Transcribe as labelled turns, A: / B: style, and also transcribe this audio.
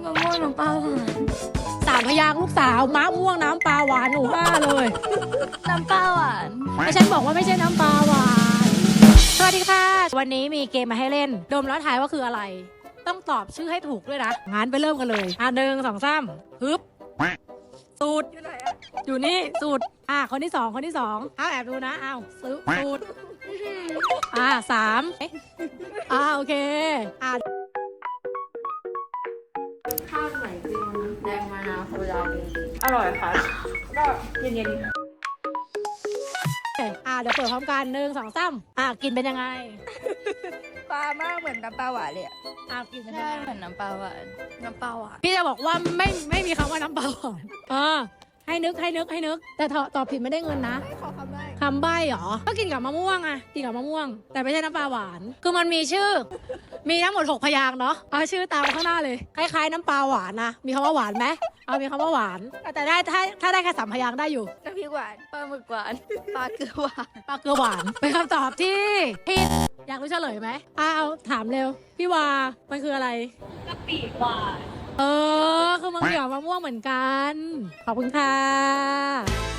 A: มะม่วงน้ำปลาหวาน
B: 3 พยางค์ลูกสาวมะม่วงน้ำปลาหวานหนูบ้าเลย
A: น้ำปลาหวาน
B: แต่ฉันบอกว่าไม่ใช่น้ำปลาหวานสวัสดีค่ะวันนี้มีเกมมาให้เล่นดมแล้วทายว่าคืออะไร ต้องตอบชื่อให้ถูกด้วยนะงั้นไปเริ่มกันเลย1 2 3ฮึบสูตรอยู่ไหนอะอยู่นี่สูตรคนที่ 2คนที่ 2แอบดูนะสูตร3โอเค
A: ข้าวใส่จริงแดงมะนาวโซดาอร่อยค่ะก็เย็น
B: เดี๋ยวเปิดพร้อมกัน1 2 3กินเป็นยังไง
A: ปลามากเหมือนน้ำปลาหวานเลย
B: กินเป็นยั
A: ใช่
B: งไง
A: เหมือนน้ำปลาหวานน้ำปลาหวาน
B: พี่จะบอกว่าไม่มีคำว่าน้ำปลาหวานให้นึกแต่ตอบผิดไม่ได้เงินนะ
A: ขอคำได้
B: คำใบ้เหรอก็กินกับมะม่วงกินกับมะม่วง แต่ไม่ใช่น้ำปลาหวาน คือมันมีชื่อ มีทั้งหมด6 พยางค์เนาะเอาชื่อตามข้างหน้าเลยคล้ายๆน้ำปลาหวานนะมีคำว่าหวานไหมมีคำว่าหวานแต่ได้ถ้าได้แค่3 พยางค์ได้อยู่
A: น้ำพริกหวานปลาหมึกหวานปลาเกลือหวาน
B: ปลาเกลือหวานเป็นคำตอบที่ผิดอยากรู้เฉลยไหมเอาถามเร็วพี่วามันคืออะไร
A: กะปิหวาน
B: คือมันเกี่ยวกับมะม่วงเหมือนกัน ขอบคุณค่ะ